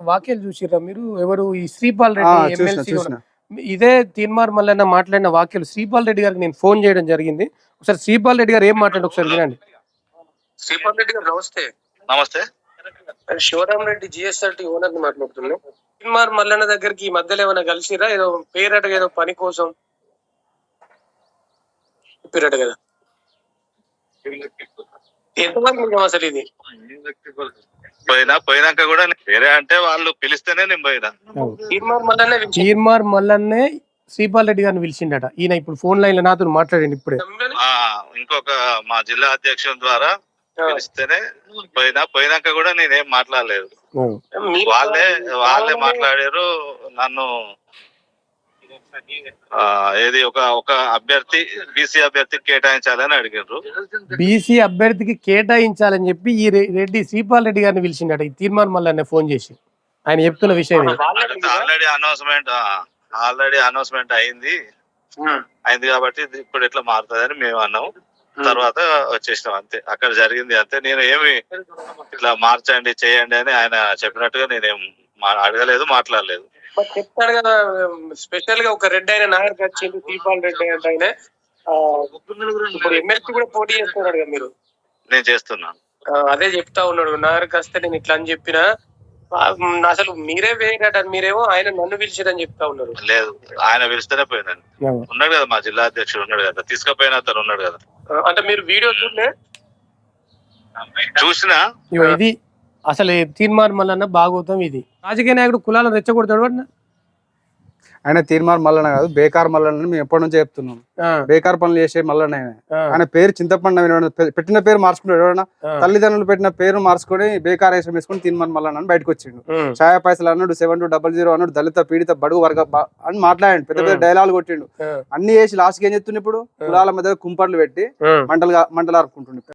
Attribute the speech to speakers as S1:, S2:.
S1: వాక్యాలు చూసిర్రా మీరు? ఎవరు ఈ శ్రీపాల్ రెడ్డి
S2: చూసిన
S1: ఎమ్మెల్సీ
S2: చూసిన
S1: ఇదే తీన్మార్ మల్లన్న మాట్లాడిన వాక్యాలు శ్రీపాల్ రెడ్డి గారికి నేను ఫోన్ చేయడం జరిగింది. ఒకసారి శ్రీపాల్ రెడ్డి గారు ఏం మాట్లాడు ఒకసారి వినండి. శ్రీపాల్ రెడ్డి గారు నమస్తే.
S3: నమస్తే.
S1: శివరామ్ రెడ్డి జిఎస్ఆర్టీ ఓనర్ ని మాట్లాడుతున్నాను. తీన్మార్ మల్లన్న దగ్గరికి ఈ మధ్యలో ఏమైనా కలిసిరా? ఏదో పేరట ఏదో పని కోసం చెప్పారట కదా, ఎంతవరకు అసలు ఇది?
S3: పోయినాక కూడా వేరే అంటే వాళ్ళు పిలిస్తేనే నేను పోయినా.
S1: తీన్మార్ మల్లన్నే శ్రీపాల్ రెడ్డి గారిని పిలిచిండట. ఈయన ఇప్పుడు ఫోన్ లైన్ లో నాతో మాట్లాడండి ఇప్పుడే.
S3: ఇంకొక మా జిల్లా అధ్యక్షుల ద్వారా పిలిస్తేనే పోయినాక కూడా నేనేం మాట్లాడలేదు. వాళ్ళే మాట్లాడారు. నన్ను ఏది ఒక అభ్యర్థి బీసీ అభ్యర్థికి కేటాయించాలని అడిగారు.
S1: బీసీ అభ్యర్థికి కేటాయించాలని చెప్పి ఈ రెడ్డి శ్రీపాల్ రెడ్డి గారిని పిలిచిండట ఈ తీర్మార్ మల్లన్న ఫోన్ చేసి. ఆయన చెప్తున్న విషయం
S3: ఆల్రెడీ అనౌన్స్మెంట్ అయింది కాబట్టి ఇప్పుడు ఎట్లా మారుతుంది అని మేము అన్నాము. తర్వాత వచ్చేసినాం అంతే. అక్కడ జరిగింది అంతే. నేను ఏమి ఇట్లా మార్చండి చేయండి అని ఆయన చెప్పినట్టుగా నేనేం అడగలేదు, మాట్లాడలేదు.
S1: చెప్తాడు కదా, స్పెషల్ గా ఒక రెడ్డి అయిన నాయకు వచ్చింది శ్రీపాల్ రెడ్డి అంటే ఆయన ఇప్పుడు ఎమ్మెల్సీ కూడా పోటీ చేస్తున్నాడు కదా మీరు?
S3: నేను చేస్తున్నాను.
S1: అదే చెప్తా ఉన్నాడు, నాయకు వస్తే నేను ఇట్లా అని చెప్పిన అసలు మీరే వేయట, మీరేమో ఆయన నన్ను పిలిచిరని చెప్తా ఉన్నారు.
S3: లేదు, ఆయన పిలిస్తేనే పోయినాను. ఉన్నాడు కదా మా జిల్లా అధ్యక్షుడు ఉన్నాడు కదా, తీసుకుపోయిన అతను ఉన్నాడు కదా.
S1: అంటే మీరు వీడియో
S3: చూసినా
S1: ఇది అసలు తీర్మార్ మల్లన్న భాగవతం ఇది. రాజకీయ నాయకుడు కులాలను రెచ్చగొడతాడు.
S2: ఆయన తీర్మార్ మల్లన్న కాదు, బేకార్ మల్లన్న మేము ఎప్పటి నుంచో చెప్తున్నాం. బేకార్ పనులు చేసే మల్లన్న ఆయన పేరు చింతపండు పెట్టిన పేరు మార్చుకుంటాడు. ఎవరైనా తల్లిదండ్రులు పెట్టిన పేరు మార్చుకొని బేకార్ వేసం వేసుకుని తీర్మార్ మల్లన్న బయటకు వచ్చిండు. ఛాయా పైసలు అన్నాడు, 7200 అన్నాడు, దళిత పీడిత బడుగు వర్గ అని మాట్లాడండి. పెద్ద పెద్ద డైలాగులు కొట్టిండు. అన్ని వేసి లాస్ట్కి ఏం చెప్తుండే, ఇప్పుడు కులాల మధ్య కుంపట్లు పెట్టి మంటలు ఆర్పుకుంటుండే.